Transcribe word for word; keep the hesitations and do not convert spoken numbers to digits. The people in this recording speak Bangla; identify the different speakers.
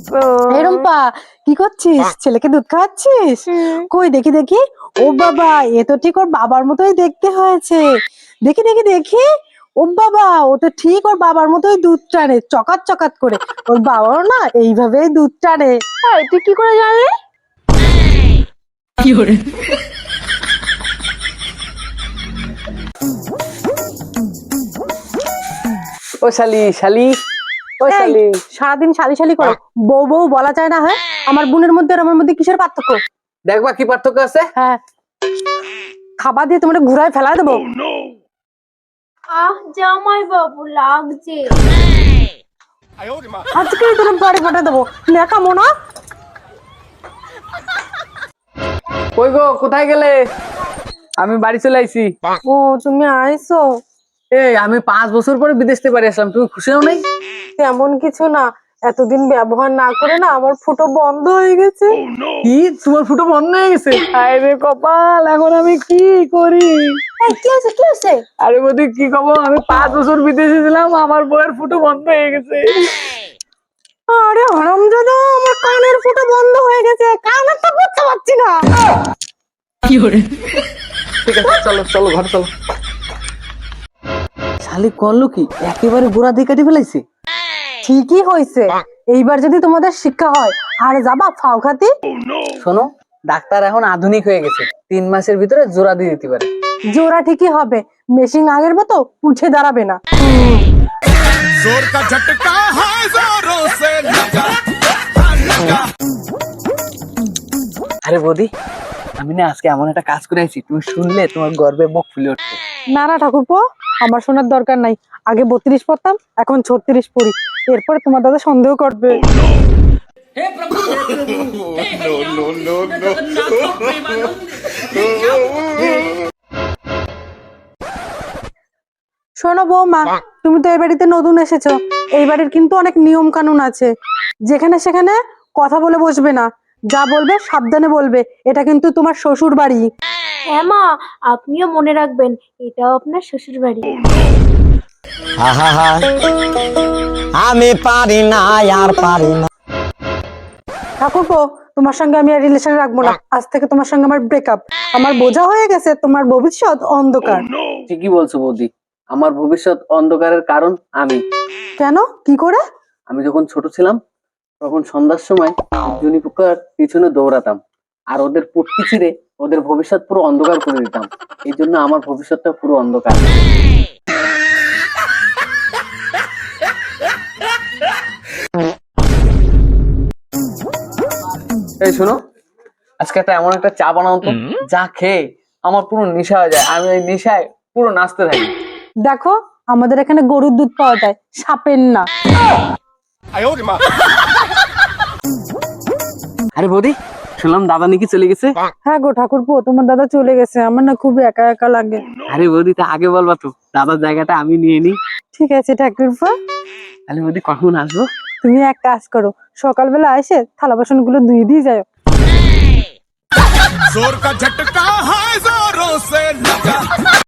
Speaker 1: এই রুম্পা, কি করছিস? ছেলেকে দুধ খাওয়াচ্ছিস? কই দেখি দেখি। ও বাবা, এ তো ঠিক ওর বাবার মতোই দেখতে হয়েছে। দেখি দেখি দেখি। ও বাবা, ও তো ঠিক ওর বাবার মতোই দুধ টানে, চকাত চকাত করে। ওর বাবাও না এইভাবেই দুধ টানে।
Speaker 2: এই, তুই কি করে জানলি?
Speaker 3: কি করে?
Speaker 4: ও শালি শালি ও
Speaker 1: এই,
Speaker 4: শালি
Speaker 1: সারাদিন শালি শালি করে বউ বউ বলা যায় না? হ্যাঁ, আমার বোনের মধ্যে আর আমার মধ্যে কিসের পার্থক্য?
Speaker 4: দেখবা কি পার্থক্য আছে?
Speaker 1: হ্যাঁ, খাবার দিয়ে তোমার ঘুরায় ফেলা দেবো।
Speaker 2: আহ, জামাই বাবু লাগছে।
Speaker 1: আজকেই তোর বাড়ি পাঠিয়ে দেবো, নেকামো না।
Speaker 4: কই গো, কোথায় গেলে? আমি বাড়ি চলে আইছি।
Speaker 1: ও, তুমি আইছো?
Speaker 4: এই আমি পাঁচ বছর পরে বিদেশ থেকে বাড়ি আসলাম, তুমি খুশি হও নাই?
Speaker 1: তেমন কিছু না, এতদিন ব্যবহার না করে না আমার ফুটো বন্ধ হয়ে গেছে।
Speaker 4: কি, তোমার ফুটো বন্ধ হয়ে গেছে? হায় রে কপাল, এখন আমি কি করি?
Speaker 1: এই, কি হয়েছে কি হয়েছে?
Speaker 4: আরে বৌদি কি খবর? আমি পাঁচ বছর বিদেশে ছিলাম, আমার বউয়ের ফুটো বন্ধ হয়ে গেছে।
Speaker 1: আরে হারামজাদা, আমার কানের ফুটো বন্ধ হয়ে গেছে, কানেরটা করতে পারছি না।
Speaker 3: কি করে?
Speaker 4: ঠিক আছে, চলো চলো ঘরে চলো। শালি করলো কি, একেবারে গোড়া দিয়ে কেটে ফেলাইছে।
Speaker 1: ঠিকই হয়েছে, এইবার যদি তোমাদের শিক্ষা হয় আর যাবা ফাও খাতি।
Speaker 4: শোনো, ডাক্তার এখন আধুনিক হয়ে গেছে, তিন মাসের ভিতরে জোড়া দিয়ে দিতে পারে।
Speaker 1: জোড়া ঠিকই হবে, মেশিন আগের মতো উঠে দাঁড়াবে না।
Speaker 5: जोर का झटका है जोरों से लगा लगा।
Speaker 4: আরে বৌদি, আমি না আজকে এমন একটা কাজ করে আইছি, তুমি শুনলে তোমার গর্বে মুখ ফুলে উঠবে।
Speaker 1: না না ঠাকুরপো, আমার শোনার দরকার নাই। আগে বত্রিশ পড়তাম, এখন ছত্রিশ পড়ি। এরপরে তোমার দাদা সন্দেহ করবে। শোনো বৌমা, তুমি তো এই বাড়িতে নতুন এসেছো, এই বাড়ির কিন্তু অনেক নিয়ম কানুন আছে। যেখানে সেখানে কথা বলে বসবে না, যা বলবে সাবধানে বলবে। এটা কিন্তু তোমার শ্বশুর বাড়ি।
Speaker 2: হ্যাঁ মা, আপনিও মনে রাখবেন, এটাও আপনার শ্বশুর বাড়ি।
Speaker 6: আহা, আমি পারি না আর পারি না।
Speaker 1: ঠাকুরপো, তোমার সঙ্গে আমি আর রিলেশন রাখবো না, আজ থেকে তোমার সঙ্গে আমার ব্রেকআপ। আমার বোঝা হয়ে গেছে তোমার ভবিষ্যৎ অন্ধকার।
Speaker 4: ঠিকই বলছো বৌদি, আমার ভবিষ্যৎ অন্ধকারের কারণ আমি।
Speaker 1: কেন, কি করে?
Speaker 4: আমি যখন ছোট ছিলাম তখন সন্ধ্যার সময় জুনি পোকার পিছনে দৌড়াতাম, আর ওদের পুটকি ছিঁড়ে ওদের ভবিষ্যৎ পুরো অন্ধকার করে দিতাম। এই জন্য আমার ভবিষ্যৎটা পুরো অন্ধকার। এই শোনো, আজকে একটা এমন একটা চা বানাও তো, যা খেয়ে আমার পুরো নেশা হয়ে যায়, আমি ওই নেশায় পুরো নাচতে থাকি।
Speaker 1: দেখো, আমাদের এখানে গরুর দুধ পাওয়া যায়, সাপের না।
Speaker 4: আরে বৌদি, শুনলাম দাদা নাকি চলে গেছে?
Speaker 1: হ্যাঁ গো ঠাকুরপো, তোমার দাদা চলে গেছে, আমার না খুব একা একা লাগে।
Speaker 4: আরে বৌদি, তা আগে বলবা তো, দাদার জায়গাটা আমি নিয়ে নিই।
Speaker 1: ঠিক আছে ঠাকুরপো,
Speaker 4: তাহলে বৌদি কখন আসবো?
Speaker 1: তুমি এক কাজ করো, সকালবেলা এসে থালা বাসন গুলো ধুয়ে দিয়ে যাও।
Speaker 5: जोर का झटका है जोरों से लगा।